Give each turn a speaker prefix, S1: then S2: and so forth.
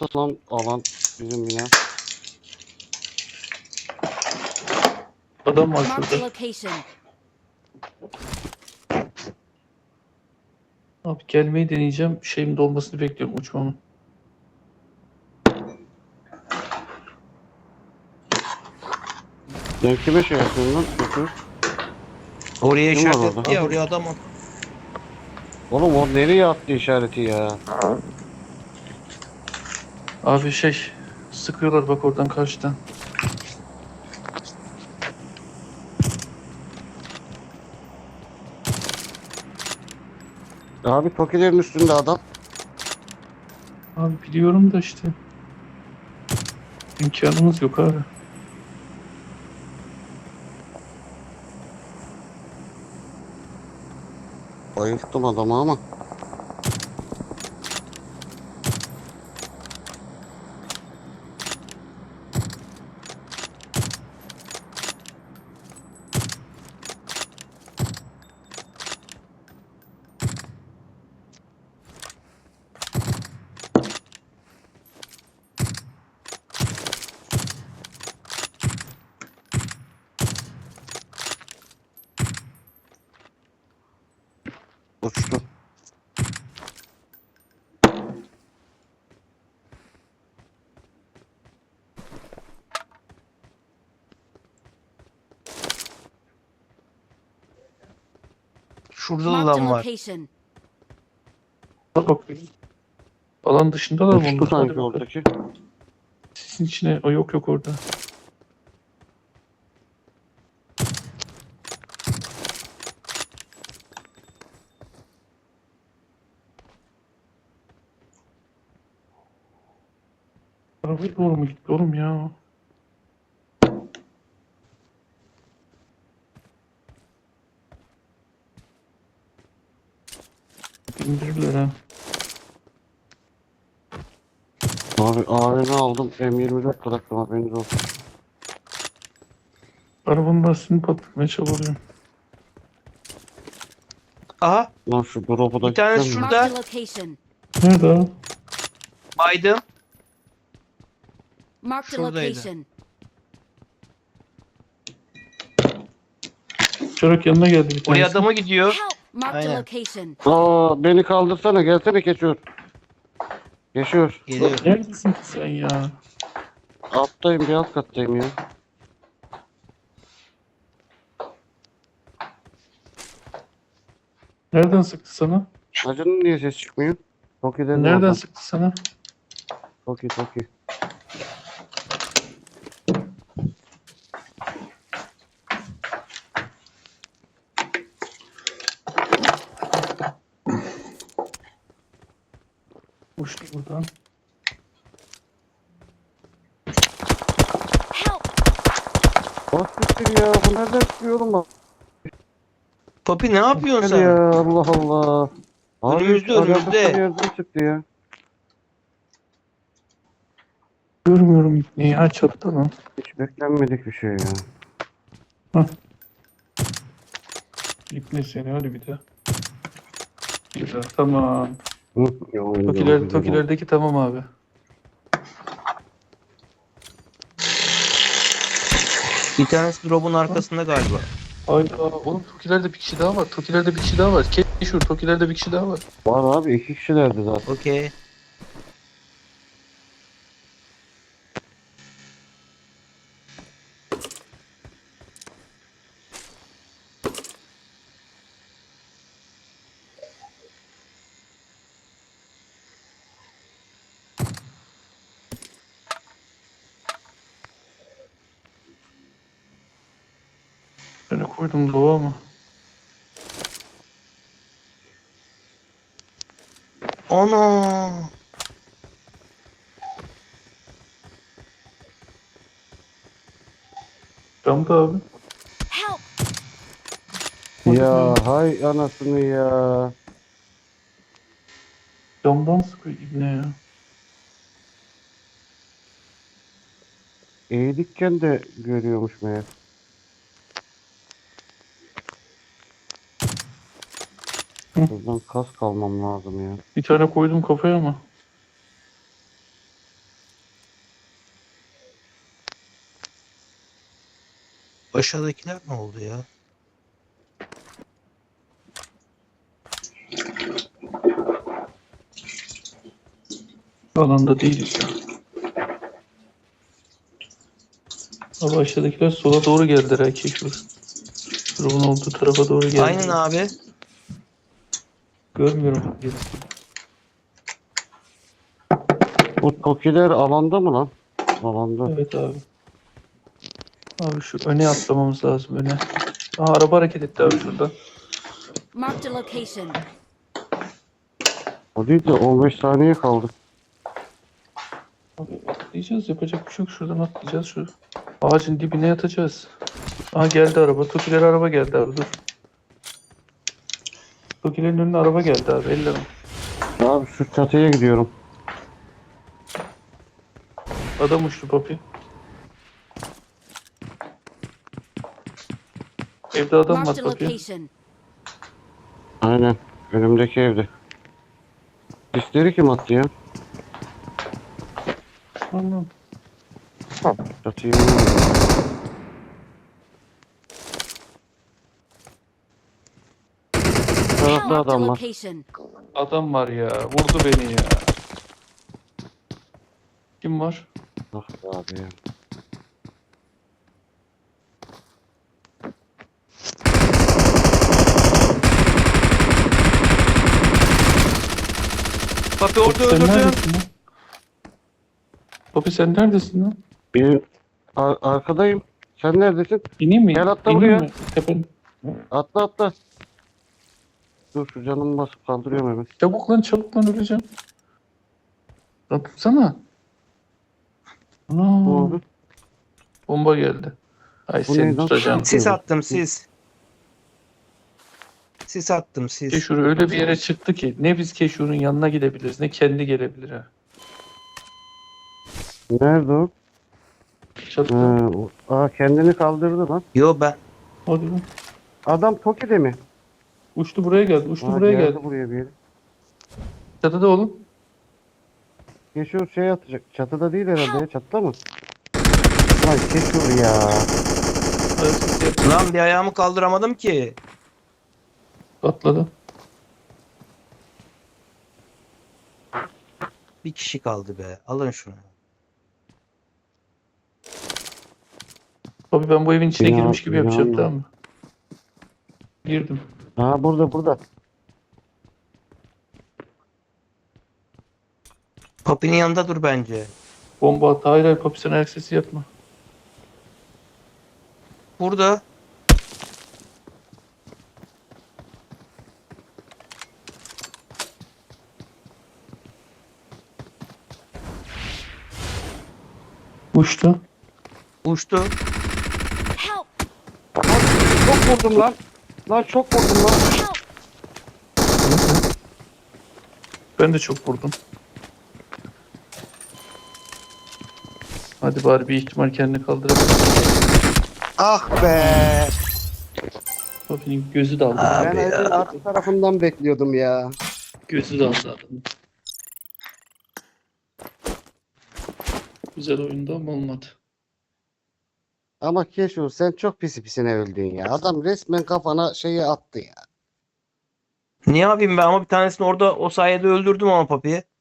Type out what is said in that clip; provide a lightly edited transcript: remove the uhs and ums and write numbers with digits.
S1: ortası lan alan bizim bina.
S2: Adam var
S3: Marked a
S2: şurada.
S3: location.
S2: Abi gelmeyi deneyeceğim. Şeyimin dolmasını bekliyorum, uçmamı.
S1: Sen kime şey yapıyorsun lan? Şoför.
S4: Oraya
S1: Kim var
S4: işaret
S1: orada?
S4: etti ya, oraya adam at.
S1: Oğlum o nereye attı işareti ya?
S2: Abi sıkıyorlar bak oradan karşıdan.
S1: Abi Tokilerin üstünde adam.
S2: Abi biliyorum da işte. İmkanımız yok abi.
S1: Bayılttım adamı ama. Uçtu.
S4: Şurada da
S3: Marked a
S4: adam var.
S3: location.
S2: Bak bakıyorum. Alan dışındalar
S1: Uçtu
S2: bunlar. Hadi
S1: sanki
S2: bakalım.
S1: oradaki.
S2: Sisin içine. O yok orada. Arabaya doğru mu gitti oğlum ya? İndirirler ha.
S1: Abi AVM aldım. M24 bıraktım haberiniz olsun.
S2: Arabanın lastiğini patlatmaya çabalıyorum.
S4: Aha,
S1: Lan şu drop'u da
S4: Bir tanesi
S1: gitsem mi?
S4: şurada.
S3: Marked a location.
S2: Nerede abi?
S4: baydım.
S3: Marked a
S4: Şuradaydı.
S3: location.
S2: Çorak yanına geldi bir
S4: Oraya
S2: tanesi.
S4: adama gidiyor.
S3: Help! Marked a
S4: Aynen.
S3: location.
S1: Aa beni kaldırsana gelsene geçiyor. Geçiyor.
S4: Geliyor.
S2: Neredesin ki sen ya?
S1: Alttayım bir alt kattayım ya.
S2: Nereden sıktı sana?
S1: Hacının niye ses çıkmıyor? Tokilerin
S2: Nereden
S1: oradan.
S2: sıktı sana?
S1: Toki.
S2: Uçtu buradan.
S3: Help!
S1: Bak siktir ya bu nereden çıkıyor oğlum bak.
S4: Papi ne yapıyorsun
S1: Hadi
S4: sen?
S1: ya Allah Allah. Abi
S4: Önümüzde,
S1: alakasız
S4: önümüzde.
S1: bir yerden çıktı ya.
S2: Görmüyorum ipneyi. Ha çattı lan.
S1: Hiç beklenmedik bir şey ya.
S2: İpne seni hadi bir de. Güzel tamam.
S1: Hı, ya, güzel oldu.
S2: Tokilerdeki tamam abi.
S4: Bir tanesi drop'un arkasında galiba.
S2: Hayda oğlum Tokilerde bir kişi daha var. Tokilerde bir kişi daha var. Keşur Tokilerde bir kişi daha var.
S1: Var abi iki kişilerdi zaten.
S4: Okey.
S2: Ben koydum doğa ama.
S4: Ana.
S2: Camda abi.
S3: Help!
S1: Ya hay anasını ya.
S2: Camdan sıkıyor ibne ya.
S1: Eğilikken de görüyormuş meğer.
S2: Hı.
S1: Buradan kas kalmam lazım ya.
S2: Bir tane koydum kafaya ama.
S4: Aşağıdakiler ne oldu ya?
S2: Alanda değiliz ya. Abi aşağıdakiler sola doğru geldiler ha Keşur. Drop'un olduğu tarafa doğru geldiler.
S4: Aynen abi.
S2: Görmüyorum.
S1: Bu Tokiler alanda mı lan? Alanda.
S2: Evet abi. Abi şu öne atlamamız lazım öne. Aha araba hareket etti abi şurada.
S3: Marked a location.
S1: O değil de 15 saniye kaldı.
S2: Abi atlayacağız, yapacak bir şey yok, şuradan atlayacağız, şu ağacın dibine yatacağız. Aha geldi araba. Tokiler araba geldi abi, dur. Tokilerin önüne araba geldi abi, elleme.
S1: Abi şu çatıya gidiyorum.
S2: Adam uçtu Papi. Evde adam var
S3: Marked a
S2: Papi.
S3: location.
S1: Aynen. Önümdeki evde. Sisleri kim attı ya?
S2: Anladım.
S1: Çatıya tarafta
S3: Marked a
S1: adam var.
S3: location.
S2: Adam var ya, vurdu beni ya. Kim var?
S1: Ah be abi ya.
S4: Papi orada
S2: Papi sen
S4: öldürdüm.
S2: neredesin lan? Papi sen neredesin lan?
S1: Bir arkadayım. Sen neredesin?
S2: İneyim mi?
S1: Gel atla
S2: İneyim
S1: buraya.
S2: mi? Tepen.
S1: Atla atla. Dur şu canımı basıp kaldırıyorum hemen.
S2: Çabuk lan öleceğim. Lan tutsana.
S1: Ne
S2: Ana,
S1: oldu?
S2: bomba geldi. Ay
S1: Bu
S2: seni
S1: neydi lan?
S2: tutacağım.
S4: Sis attım sis. Sis attım sis.
S2: Keşur öyle bir yere çıktı ki ne biz Keşur'un yanına gidebiliriz ne kendi gelebilir ha.
S1: Nerede o?
S2: Çatıda.
S1: Kendini kaldırdı lan.
S4: Yo ben.
S2: Hadi lan.
S1: Adam Toki'de mi?
S2: Uçtu buraya geldi. Uçtu
S1: Aa,
S2: buraya
S1: geldi
S2: geldi.
S1: buraya bir yere.
S2: Çatıda oğlum.
S1: Keşur şey atacak. Çatıda değil herhalde ya. Çatıda mı? Lan Keşur ya.
S2: Evet,
S4: Lan bir ayağımı kaldıramadım ki.
S2: atladı.
S4: Bir kişi kaldı be. Alın şunu.
S2: Abi ben bu evin içine
S1: Ya,
S2: girmiş gibi yapacağım,
S1: ya.
S2: tamam mı? Girdim.
S1: Burada.
S4: Papi'nin yanında dur bence.
S2: Bomba attı. Hayır hayır Papi sen ayak sesi yapma.
S4: Burada.
S2: Uçtu.
S4: Uçtu.
S3: Help!
S1: Çok vurdum lan. Lan çok vurdum lan.
S3: Help!
S2: Ben de çok vurdum. Hadi bari bir ihtimal kendini kaldırabilir.
S1: Ah be.
S2: Papi'nin gözü daldı.
S4: Abi
S1: Ben evin
S4: ya.
S1: arka tarafından bekliyordum ya.
S2: Gözü daldı adamın. Güzel oyunda ama olmadı.
S1: Ama Keşur sen çok pisine öldün ya. Adam resmen kafana şeyi attı ya.
S4: Ne yapayım ben ama bir tanesini orada o sayede öldürdüm ama Papi'yi.